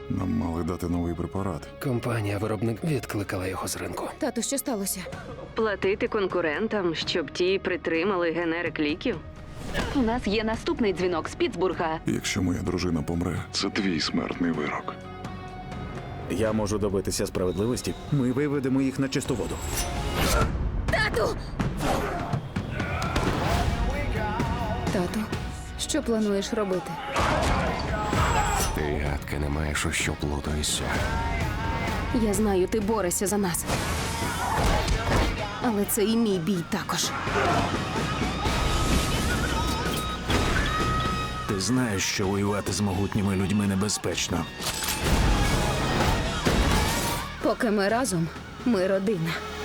Нам мали дати новий препарат. Компанія-виробник відкликала його з ринку. Тату, що сталося? Платити конкурентам, щоб ті притримали генерик ліків? У нас є наступний дзвінок з Піттсбурга. Якщо моя дружина помре, це твій смертний вирок. Я можу добитися справедливості. Ми виведемо їх на чисту воду. Тату! Тату, що плануєш робити? Ти гадки не маєш, у що плутаєшся. Я знаю, ти борешся за нас. Але це і мій бій також. Ти знаєш, що воювати з могутніми людьми небезпечно. Поки ми разом, ми родина.